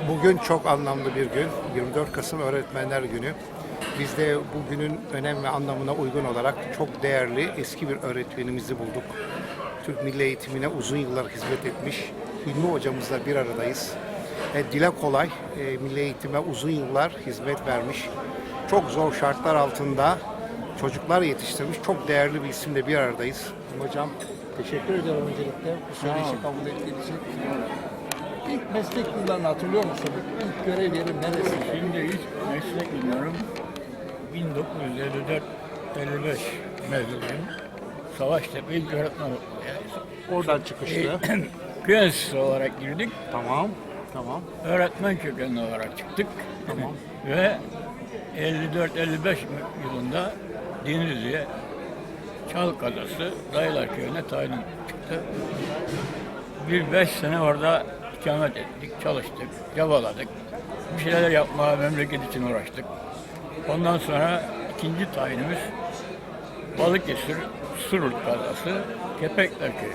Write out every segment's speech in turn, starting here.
Bugün çok anlamlı bir gün. 24 Kasım Öğretmenler Günü. Biz de bugünün önem ve anlamına uygun olarak çok değerli eski bir öğretmenimizi bulduk. Türk Milli Eğitimine uzun yıllar hizmet etmiş Hilmi hocamızla bir aradayız. Dile kolay, Milli Eğitime uzun yıllar hizmet vermiş. Çok zor şartlar altında çocuklar yetiştirmiş. Çok değerli bir isimle bir aradayız. Hocam teşekkür ederim öncelikle bu söyleşi kabul ettiğiniz için. İlk meslek yıllarını hatırlıyor musun? İlk görev yerin neresi? Şimdi ilk meslek yıllarım 1954-55 mezunuyum. Savaştepe İlk Öğretmen Okulu. Oradan çıkışlı. Köy enstitüsü olarak girdik. Tamam. Tamam. Öğretmen kökenli olarak çıktık. Tamam. Ve 54-55 yılında Denizli'ye Çalkadası Dayılar Köyü'ne tayin çıktı. Bir 5 sene orada ikamet ettik, çalıştık, çabaladık. Bir şeyler yapmaya memleket için uğraştık. Ondan sonra ikinci tayinimiz Balıkesir Surut Kazası Kepekler Köyü.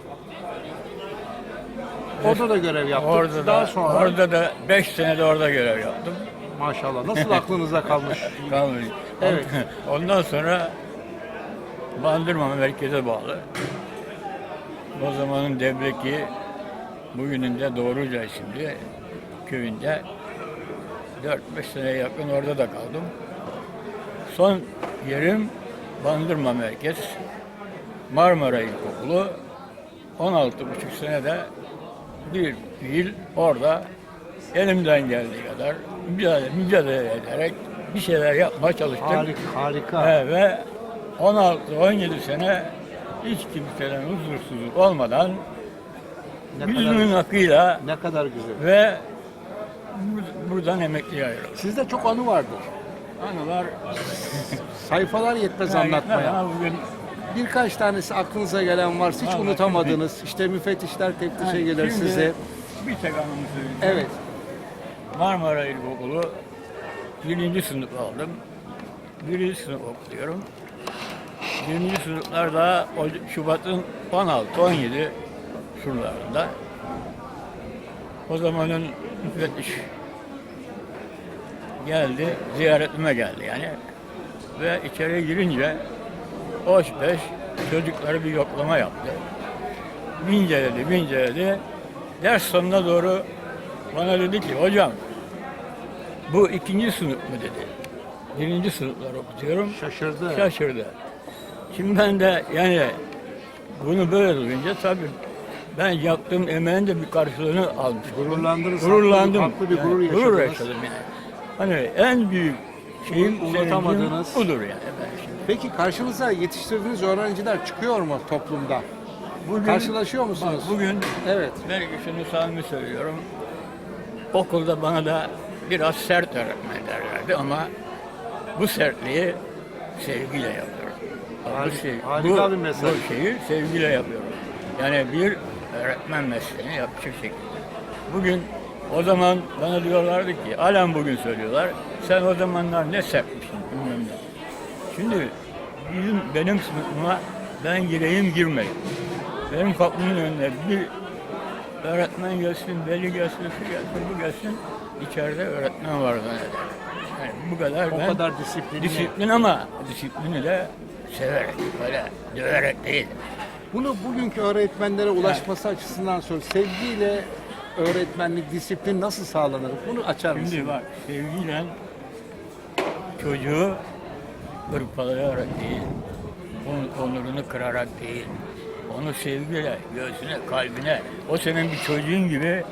Orada da görev yaptık. Orada Daha da, sonra orada da 5 senede orada görev yaptım. maşallah. Nasıl aklınıza kalmış? Kalmış. Evet. Ondan sonra Bandırma merkeze bağlı. O zamanın Debreki, bugünün de Doğruca isimli köyünde 4-5 seneye yakın orada da kaldım. Son yerim Bandırma merkez, Marmara İlkokulu. 16,5 senede bir yıl orada elimden geldiği kadar mücadele ederek bir şeyler yapmaya çalıştım. Harika. Ve 16-17 sene hiç kimseden huzursuzluk olmadan yüzümün hakkıyla Ne kadar güzel. ve buradan emekliye ayrıldım. Sizde çok anı vardır. Anılar Sayfalar yetmez anlatmaya. Bugün Birkaç tanesi aklınıza gelen varsa hiç Vallahi unutamadınız. İşte müfettişler teftişe gelir şimdi size. bir tek anımı söyleyeyim. Evet. Marmara İlkokulu 1. sınıf aldım. 1. sınıf okuyorum. 1. sınıflarda Şubat'ın 16-17 şuralarında o zamanın müfettiş geldi, ziyaretime geldi yani. Ve içeriye girince hoş beş çocukları bir yoklama yaptı. Binceledi. Ders sonuna doğru bana dedi ki, hocam bu 2. sınıf mı dedi. 1. sınıflar okutuyorum. Şaşırdı. Şimdi ben de yani bunu böyle duyunca tabii ben yaptığım emeğin de bir karşılığını almış. Gururlandım. Haklı bir gurur yaşadınız. Gurur yaşadım yani. Hani en büyük şeyim, Unutamadığınız. sevincim budur yani. Ben şimdi. Peki karşınıza yetiştirdiğiniz öğrenciler çıkıyor mu toplumda? Bugün, Karşılaşıyor musunuz? Bugün Evet. belki şunu samimi söylüyorum. Okulda bana da biraz sert öğretmen derlerdi ama bu sertliği sevgiyle yapıyorum. Harika bir mesaj. Bu şeyi sevgiyle yapıyorum. Yani bir öğretmen mesleğini yapacak şekilde. Bugün o zaman bana diyorlardı ki, halen bugün söylüyorlar, sen o zamanlar ne sertmişsin bilmem ne. Şimdi benim sınıfıma ben gireyim. Benim kapımın önüne bir öğretmen gelsin, veli gelsin, şu gelsin, bu gelsin. İçeride öğretmen var zanneder. Yani bu kadar O kadar disiplinli. Disiplin ama disiplini de severek, böyle döverek değil. Bunu bugünkü öğretmenlere ulaşması açısından sor. Sevgiyle öğretmenlik, disiplin nasıl sağlanır? Bunu açar mısın? Şimdi bak, sevgiyle çocuğu hırpalayarak değil, onun onurunu kırarak değil, onu sevgiyle, göğsüne, kalbine, o senin bir çocuğun gibi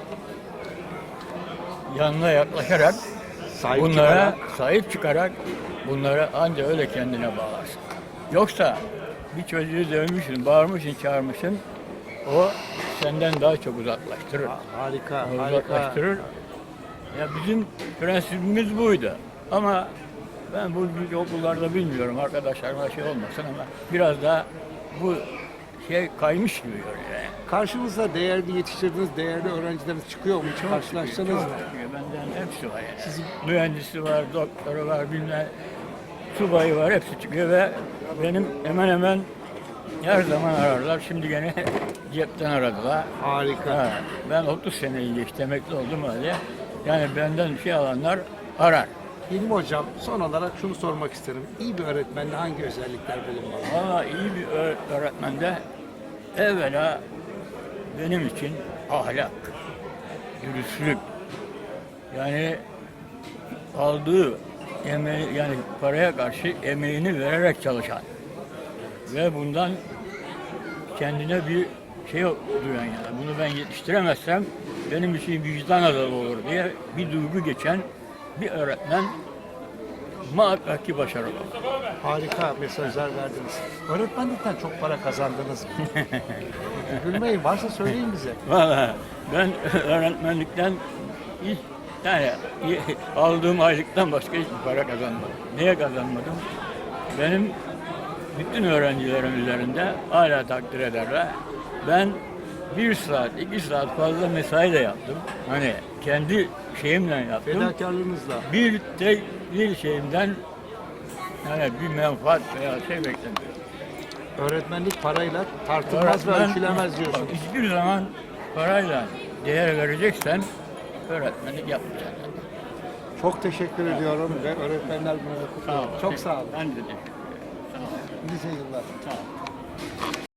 yanına yaklaşarak, sahip çıkarak bunlara anca öyle kendine bağlarsın. Yoksa bir çocuğu dövmüşsün, bağırmışsın, çağırmışsın, o senden daha çok uzaklaştırır. Harika. Uzaklaştırır. Ya bizim prensibimiz buydu. Ama ben bugünkü okullarda bilmiyorum, arkadaşlarıma şey olmasın ama biraz daha bu şey kaymış gibi görünüyor yani. Karşınıza değerli yetiştirdiğiniz değerli öğrencileriniz çıkıyor mu? Hiç karşılaştınız mı? Benden hepsi var yani. Mühendisi var, doktoru var, bilmem subayı var, hepsi çıkıyor ve benim hemen her zaman ararlar. Şimdi gene cepten aradılar. Harika. Ben 30 seneyi geçti, emekli oldum öyle. Yani benden şey alanlar arar. Hilmi Hocam, son olarak şunu sormak isterim. İyi bir öğretmende hangi özellikler bulunmalı? Valla iyi bir öğretmende evvela benim için ahlak, dürüstlük, yani aldığı emeği, yani paraya karşı emeğini vererek çalışan ve bundan kendine bir şey duyan, yani bunu ben yetiştiremezsem benim için vicdan azabı olur diye bir duygu geçen bir öğretmen muhakkak ki başarılı. Harika mesajlar verdiniz. Öğretmenlikten çok para kazandınız mı? Gülmeyin, varsa söyleyin bize. Valla ben öğretmenlikten hiç, yani aldığım aylıktan başka hiçbir para kazanmadım. Niye kazanmadım? Benim bütün öğrencilerim üzerinde hala takdir ederler. Ben 1 saat, 2 saat fazla mesai de yaptım. Hani kendi şeyimle yaptım. Fedakarlığınızla. Bir şeyimden yani bir menfaat veya şey beklemiyorum. Öğretmenlik parayla tartılmaz ve ölçülemez diyorsunuz. Hiçbir zaman parayla değer vereceksen öğretmenlik yapmayacaksın. Çok teşekkür ediyorum ve öğretmenler gününü kutluyorum. Çok sağ olun. Ben de teşekkür ederim. Sağ olun. Nice yıllar. Sağ olun.